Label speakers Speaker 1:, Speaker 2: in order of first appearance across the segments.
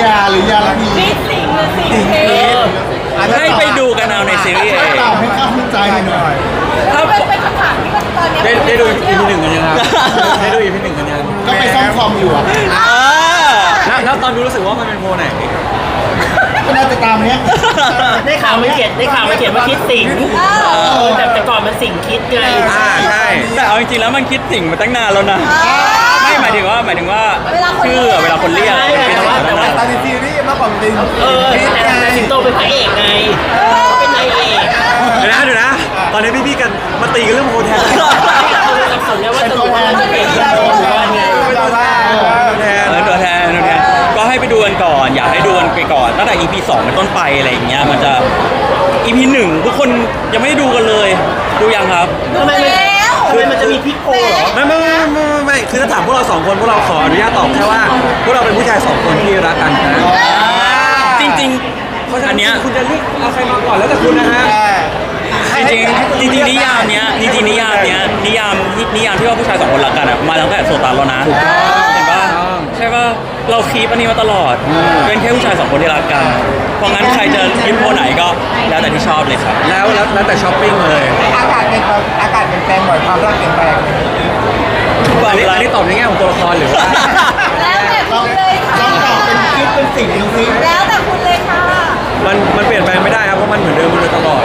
Speaker 1: ยาหรือยาละพี
Speaker 2: นี่สิงหรือสิงเพชร
Speaker 3: ให้ไปดูกันเอาในซีรีส์เอง
Speaker 1: ตอบให้เข้าใจหน่อย
Speaker 2: แล้วเป็นคำถามที่มันตอนนี้
Speaker 4: ได้ดู EP หนึ่งกันยังครับได้ดู EP หนึ่งกันยัง
Speaker 1: ก็ไปซ่อมคอมอยู่อ่ะ
Speaker 4: แล้วตอนดูรู้สึกว่ามันเป็นโพลไหน
Speaker 1: ก็น่าจะตามเนี้ย
Speaker 5: ได้ข่าวไม่เขียนว่าคิดสิงแต่ก่อนมันสิงคิดไง
Speaker 4: ใช่
Speaker 3: แต่เอาจริงๆแล้วมันคิดสิ่งมาตั้งนานแล้วนะไม่หมายถึงว่าชื่อเวลาคนเรียก
Speaker 5: แต่ว่า
Speaker 1: ตอนในซีรีส์มากกว่าเป็น
Speaker 5: แต่สิงโตเป็นพระเอกไงเป็นนายเอก
Speaker 4: เดี๋ยวนะตอนนี้พี่ๆกันมาตีกันเรื่องโพลแทน
Speaker 5: สับสนเนี่ยว่าตัวมันเป็นเอกหรือว่าไง
Speaker 4: เป็นตัวแทน
Speaker 3: ตัวแทนก็ให้ไปดูกันก่อนอยากให้ดูกันไปก่อนตั้งแต่ EP 2เป็นต้นไปอะไรอย่างเงี้ยมันจะ EP 1ทุกคนยังไม่ได้ดูกันเลยดูยังครับ
Speaker 2: ดูแล้ว
Speaker 5: มันจะมีพลิกโพเหรอ
Speaker 4: ไม่คือถ้าถามพวกเราสองคนพวกเราขออนุญาตตอบแค่ว่าพวกเราเป็นผู้ชายสองคนที่รักกันนะ
Speaker 3: จริงๆอันเนี้ย
Speaker 4: คุณจะเลือกเอาใครมาก่อนแล้วแต่คุณนะฮะ
Speaker 3: จริงนิยามเนี้ยนิยามที่ว่าผู้ชายสองคนรักกันอะมาตั้งแต่โซตานแล้วนะถูกต้องเห็นปะใช่ปะเราคีปอันนี้มาตลอดเป็นแค่ผู้ชายสองคนที่รักกันเพราะงั้นใครจะยึดโพไหนก็แล้วแต่ที่ชอบเลยครับ
Speaker 4: แล้วแต่ช้อปปิ้งเลย
Speaker 1: อากาศเป็นแปลงบ่อยความรักเปลี่ยนแปลง
Speaker 4: อันนี้ตอบในแง่ของตัวละครหรือว่า
Speaker 2: แล้วแต่คุณเลยค่ะ
Speaker 1: ลองตอบเป็นคิดเป็นสิ่งดูสิ
Speaker 2: แล้วแต่คุณเลยค่ะ
Speaker 4: มันเปลี่ยนแปลงไม่ได้ครับเพราะมันเหมือนเดิมมาโดยตลอด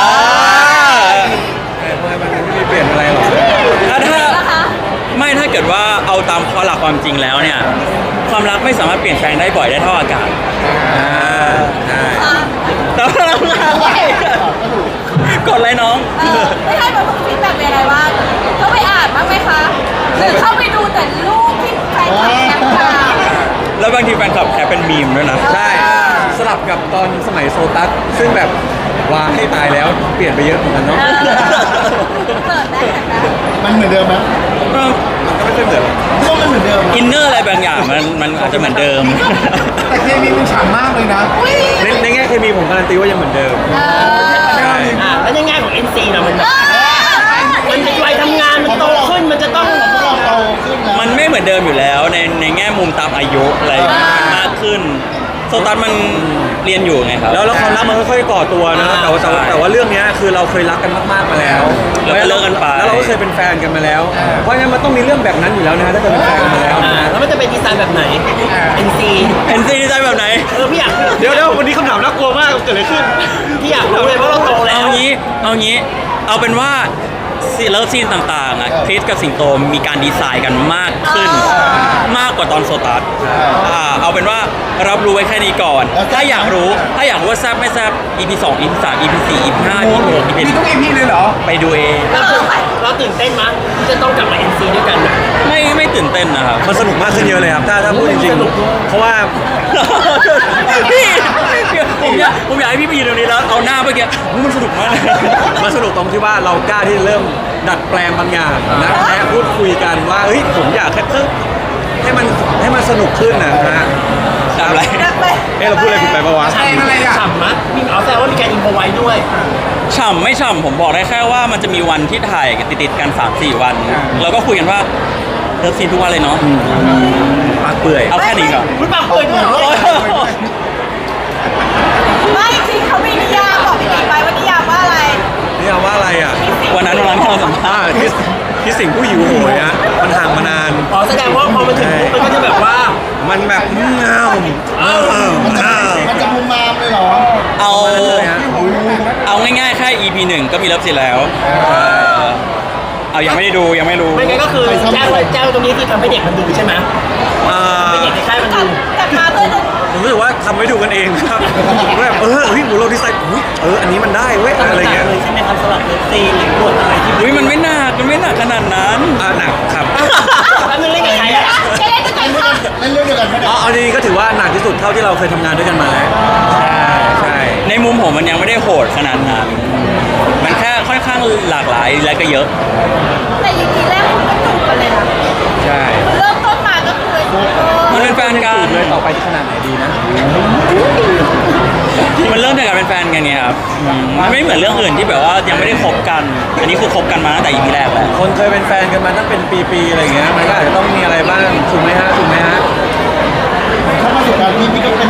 Speaker 4: มันไม่มีเปลี่ยนอะไรหรอก
Speaker 3: ถ้าเกิดว่าเอาตามข้อหลักความจริงแล้วเนี่ยความรักไม่สามารถเปลี่ยนแปลงได้บ่อยได้เท่าอากาศ
Speaker 4: ใช่
Speaker 3: แต่ว่าเรากดเลยน้อง
Speaker 2: ไม่ให้แบบฟีดแบ็กเป็นอะไรบ้างเข้าไปอ่านบ้างไหมคะหรือเข้าไปดูแต่รูปที่แฟนคลับแคปมา
Speaker 3: แล้วบางทีแฟนคลับแคปเป็นมีมด้วยนะ
Speaker 4: ใช่สลับกับตอนสมัยโซตัสซึ่งแบบว่าให้ตายแล้วเปลี่ยนไปเยอะเหมือนกันเนาะ
Speaker 2: เปิดได้แต่
Speaker 1: มันเหมือนเดิมไหม
Speaker 4: มันก็ไม่เคยเหมือน
Speaker 1: ก็มันเหมือนเดิม
Speaker 3: อินเนอร์อะไรบางอย่างมันอาจจะเหมือนเดิม
Speaker 1: แต่เคมีมันฉ่ำมากเลยนะ
Speaker 4: ในแง่เคมีผมการันตีว่ายังเหมือนเดิมใช่
Speaker 5: แล้วในแง่ของ NC นะมันเป็นวัยทำงานมันโตขึ้นมันจะต้อง
Speaker 1: เราโตขึ้นแล้ว
Speaker 3: มันไม่เหมือนเดิมอยู่แล้วในแง่มุมตามอายุอะไรมากขึ้นโซตัสมันเรียนอยู่ไงครับ
Speaker 4: แล้วความรักมันค่อยๆก่อตัวนะแต่ว่าเรื่องนี้คือเราเคยรักกันมากๆมาแล้ว
Speaker 3: แล้วก็เลิกกันไป
Speaker 4: แล้วเราก็เคยเป็นแฟนกันมาแล้ว เพราะงั้นมันต้องมีเรื่องแบบนั้นอยู่แล้วนะถ้าเกิดเป็นแฟนกันมาแล้ว
Speaker 5: แล้วมันจะเป็นดีไซน์แบบไหน NC
Speaker 3: เอ็นซีดีใจแบบไหน
Speaker 5: พี่อยาก
Speaker 4: เดี๋ยววันนี้คำถามน่ากลัวมากเกิดอะไรขึ้น
Speaker 5: พี่อยากรู้เลยว่าเราโตแล้ว
Speaker 3: เอางี้เอาเป็นว่าเลิฟซีนต่างๆอ่ะคริสกับสิงโตมีการดีไซน์กันมากขึ้น มากกว่าตอนโซตัสเอาเป็นว่ารับรู้ไว้แค่นี้ก่อน ถ้าอยากรู้ว่าแซบไม่แซบ EP 2 EP 3 EP 4 EP 5 EP 6 EP
Speaker 1: มีทุกอีพีเลยเหรอ
Speaker 3: ไปดูเอง
Speaker 5: เราตื่นเต้นมั้ยที่จะต้องกลับมา NC ด้วยกัน
Speaker 3: ไม่ตื่นเต้นนะครับ
Speaker 4: มันสนุกมากขึ้นเยอะเลยครับถ้าพูดจริงๆเพราะว่า
Speaker 3: พี่ผมอยากให้พี่ไปยืนตรงนี้แล้วเอาหน้าเมื่อกี้มันสนุกมาก
Speaker 4: มันสนุกตรงที่ว่าเรากล้าที่จะเริ่มดัดแปลงบางอย่างนะและพูดคุยกันว่าเฮ้ยผมอยากให้มันสนุกขึ้นนะฮะ
Speaker 3: ทำอะไร
Speaker 4: เราพูดอะไรผิดไปปะวะ
Speaker 5: ฉ่ำมั้ยมีแซวว่ามีการอินโฟไว้ด้วย
Speaker 3: ฉ่ำไม่ฉ่ำผมบอกได้แค่ว่ามันจะมีวันที่ถ่ายติดๆกัน 3-4 วัน แล้วก็คุยกันว่าเลิฟซีนทุกวันเลยเนาะ
Speaker 4: ปากเปื่อย
Speaker 3: เอาแค่นี้ก่อน
Speaker 5: คุณปากเปิดด้วยเหรอ
Speaker 2: ไม่จริงเขามีนิยามบอกพี่ติ๊กไปว่านิยามว่าอะไร
Speaker 4: นี่เอาว่าอะไรอ่ะ
Speaker 3: วันนั้นที่เราสัมภาษณ์
Speaker 4: ที่สิ่งผู้หิวโหยนะมันห่างมานาน
Speaker 5: แสดงว่าพอมาถึงปุ๊บมันก็จะแบบว่า
Speaker 4: มันแบบเงา
Speaker 1: มันจะมุมมามเลยเหรอ
Speaker 3: เอาง่ายๆแค่ EP 1 ก็มีเลิฟซีนแล้วเอายังไม่ได้ดูยังไม่รู้
Speaker 5: ไม่งั้นก็คือแจ้งตรงนี้ที่ทำให้เด็กมันดูใช่ไหมให้เด็กในค่ายมันดู
Speaker 2: กลับมาเพื่อจะ
Speaker 4: ผมรู้สึกว่าทำไว้ดูกันเองครับแบบเฮ้ยเราดีไซน์อันนี้มันได้เว้ยอะไรเงี้ย
Speaker 5: ใช่ไหมครับสำหรับเลิฟซีนหรือบทอะไรที่
Speaker 3: อุ้ยมันไม่หนักขนาดนั้น
Speaker 4: หนักครับ
Speaker 5: แล้วมึงเล่นกับใครอ่ะ
Speaker 2: เล่นด้วยกันค่ะ
Speaker 1: เล่นเรื่องเดียวกันไม่ได้
Speaker 4: เอาดีก็ถือว่าหนักที่สุดเท่าที่เราเคยทำงานด้วยกันมาแล้วใช่
Speaker 3: ในมุมผมมันยังไม่ได้โหดขนาดนั้นมันแค่ค่อนข้างหลากหลายและก็เยอะ
Speaker 2: แต่ EP แรกคุณก็จูบกันเลยนะ
Speaker 4: ใช่
Speaker 2: เริ่มต้นมาก็คือ
Speaker 3: มันเป็นแฟนกัน
Speaker 4: เลยต่อไปจะขนาดไหนดีนะ
Speaker 3: มันเริ่มจากการเป็นแฟนกันไงครับมันไม่เหมือนเรื่องอื่นที่แบบว่ายังไม่ได้คบกัน อันนี้คือคบกันมาตั้งแต่ EP แรกแหละ
Speaker 4: คนเคยเป็นแฟนกันมาตั้งเป็นปีๆอะไรเงี้ยมันก็อาจจะต้องมีอะไรบ้างถูกไหมฮะ
Speaker 1: ถ้าประสบการณ์พี่ก็เป็น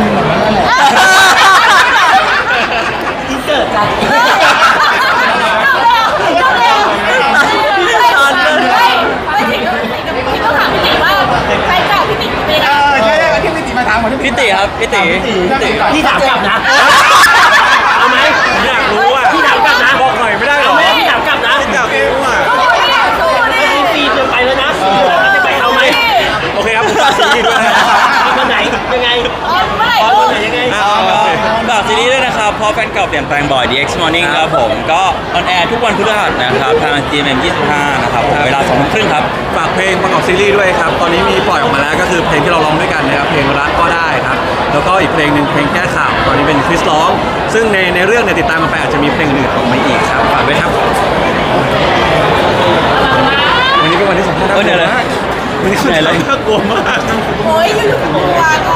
Speaker 3: พี่ติครับพี่ติ
Speaker 5: พี่ถามกลับนะเอาไหม
Speaker 4: ผมอยากรู้อ่ะ
Speaker 5: พี่ถามกลับนะ
Speaker 4: บอกหน่อยไม่ได้หร
Speaker 5: เอา
Speaker 4: อ
Speaker 5: ไหมพี่ถามกลับนะ
Speaker 4: อยากรู้อ่ะ
Speaker 2: สู้ดิ
Speaker 5: ฟีจะไปแล้วนะจะไปเอาไหม
Speaker 4: โอเคครับผมฝากซีรีส์ด้วยนะครับ
Speaker 5: วันไหนยังไง
Speaker 2: อ๋อเมื่อไหร่
Speaker 5: วั
Speaker 2: ลูก
Speaker 5: นไหนยังไง
Speaker 3: ฝากซีรีส์ด้วยนะครับเพราะแฟนเก่าเปลี่ยนแปลงบ่อย DX Morning ครับผมก็ออนแอร์ทุกวันพฤหัสนะครับทาง GMM 25นะครับเวลา2 ทุ่มครึ่งครับ
Speaker 4: ฝากเพลงประกอบซีรีส์ด้วยครับ ตอนนี้มีปล่อยออกมาแล้วก็คือเพลงที่เราร้องด้วยกันนะครับ เพลงรักก็ได้ครับ แล้วก็อีกเพลงหนึ่งเพลงแก้ข่าว ตอนนี้เป็นคริสร้อง ซึ่งในเรื่องเนี่ยติดตามมาไปอาจจะมีเพลงอื่นออกมาอีกครับ ฝากด้วยครับ วันนี้เป็นวันที่สำคัญ
Speaker 3: เดี๋ยวเลย
Speaker 4: วันนี้คือน่ากลัวมาก
Speaker 2: โอ้ยอยู่ๆกลัวก็